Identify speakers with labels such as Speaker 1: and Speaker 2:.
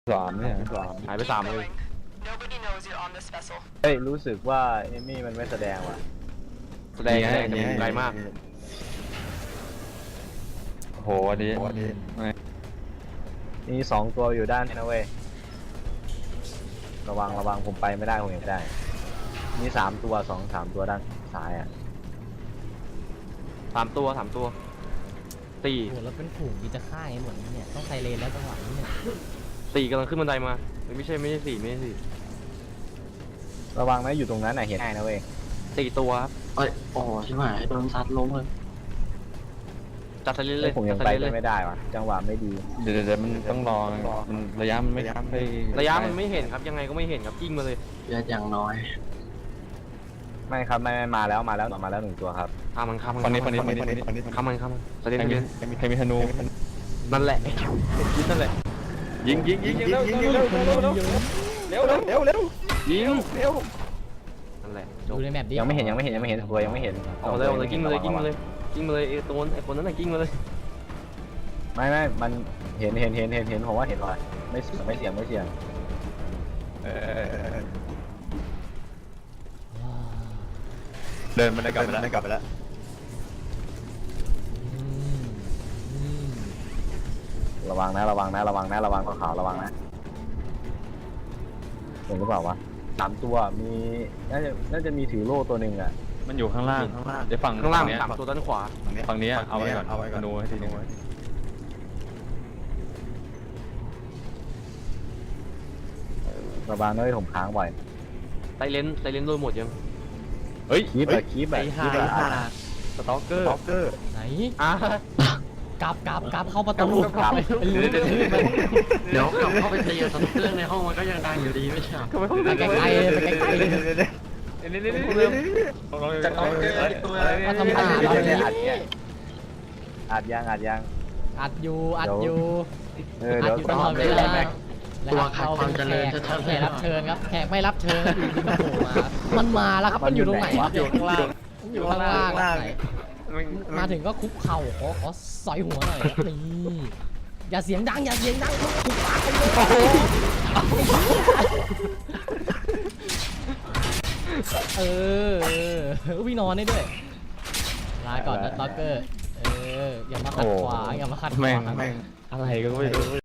Speaker 1: สามเนี่ย
Speaker 2: หายไป3เลย
Speaker 3: เฮ้ยรู้สึกว่าเอมี่มันไม่แสดงว่ะ
Speaker 2: แสดงไกลมาก
Speaker 1: โอ้โหอันนี้
Speaker 3: มี2 ตัวอยู่ด้านนี้นะเว้ยระวังผมไปไม่ได้ผมเห็นไม่ได้มี3 ตัว3 ตัวด้านซ้ายอ่ะ
Speaker 2: 3 ตัวตี
Speaker 4: โอ้โหแล้วเป็นฝูงที่จะฆ่าไอ้หมดเนี่ยต้องไซเรนแล้วจังหวะนี้เนี่ย
Speaker 2: ตีกำลังขึ้นบันไดมาไม่ใช่สี่
Speaker 3: ระวังนะอยู่ตรงนั้นน่ะเห็นง่ายนะเว้ย
Speaker 2: 4 ตัวครับ
Speaker 5: เอ้ยโอ้ใช่ไหมโดนซัดล้มเลย
Speaker 2: จัดสลิดเล
Speaker 3: เฮ้
Speaker 2: ย
Speaker 3: ยผมยัง
Speaker 2: จัด
Speaker 3: ไป
Speaker 2: สลิดเลย
Speaker 3: ไม่ได้ว่ะจังหวะไม่ดี
Speaker 1: เดี๋ยวมันต้องรอมันระยะมันไม่ค่อย
Speaker 2: ระยะมันไม่เห็นครับยังไงก็ไม่เห็นครับกิ้งมาเลย
Speaker 5: เลือดอย่างน้อย
Speaker 3: ไม่ครับไม่มาแล้ว1 ตัวครับ
Speaker 2: ข้ามมัน
Speaker 1: ฝั่งนี้
Speaker 2: ข้ามมันสลิด
Speaker 1: ใครมีธนู
Speaker 2: นั่นแหละยิงนั่นแหละยิงเร็วยิงนั่นแหละจ
Speaker 4: ดู
Speaker 2: บ
Speaker 4: ในแมปดิ
Speaker 3: ยังไม่เห็นตัวยังไม่เห็น
Speaker 2: เอาเลยกิ้งมาเลยไอ้คนนั้นน่ะกิ้งมาเลย
Speaker 3: ไม่มันเห็นผมว่าเห็นว่ะไม่เสี่ยง
Speaker 1: เดินมันได้กลับไปแล้ว
Speaker 4: อืมอืม
Speaker 3: ระวังขาวระวังนะเห็นหรือเปล่าวะ3 ตัวมีน่าจะมีถือโล่ตัวหนึ่งอ่ะ
Speaker 1: มันอยู่ข้างล่างเดี๋ยวฝั่ง
Speaker 2: ข้างล่าง
Speaker 1: นี้
Speaker 2: 3 ตัวด้านขวา
Speaker 1: ฝั่งนี้เอาไว้ก่อนธนูให้ทีนึง
Speaker 3: ระวังด้วยผมค้างบ่อย
Speaker 2: ไซเลนโดนหมดยัง
Speaker 1: เฮ้ย
Speaker 3: คีบแบบ
Speaker 1: สต็อกเกอร์
Speaker 4: ไหน
Speaker 2: อ่ะ
Speaker 4: กลับเข้าประตู
Speaker 3: ครับ
Speaker 5: เดี๋ยวกลับเข้าไปตีกับเครื่องในห้องมันก็ยังดังอยู่ดีไม่ใช่
Speaker 4: ไปไกลๆเลยไปไกลๆเลย
Speaker 1: จะต้องเจอตัวอะไร
Speaker 4: มาทำท่าเราเนี่ย
Speaker 3: อัดยัง
Speaker 4: อัดอยู่
Speaker 3: เดี๋ยว
Speaker 4: อัดอยู่ตลอดเวลา
Speaker 5: ตัวขาดความเจริญชัดๆ
Speaker 4: แขกรับเชิญครับแขกไม่รับเชิญอยู่ดีๆก็โผล่มามันมาแล้วครับมันอยู่ตรงไหนวะ
Speaker 2: อยู่ข้างล่าง
Speaker 4: อยู่ข้างล่างไหนมาถึงก็คุกเข่าขอสอยหัวหน่อยครับนี่อย่าเสียงดังคุกปากไปเลยวิ่งนอนได้ด้วยลาก่อนนะล็อกเกอร์อย่ามาขัดขวาง
Speaker 1: แม่งอะไรก็ไม่รู้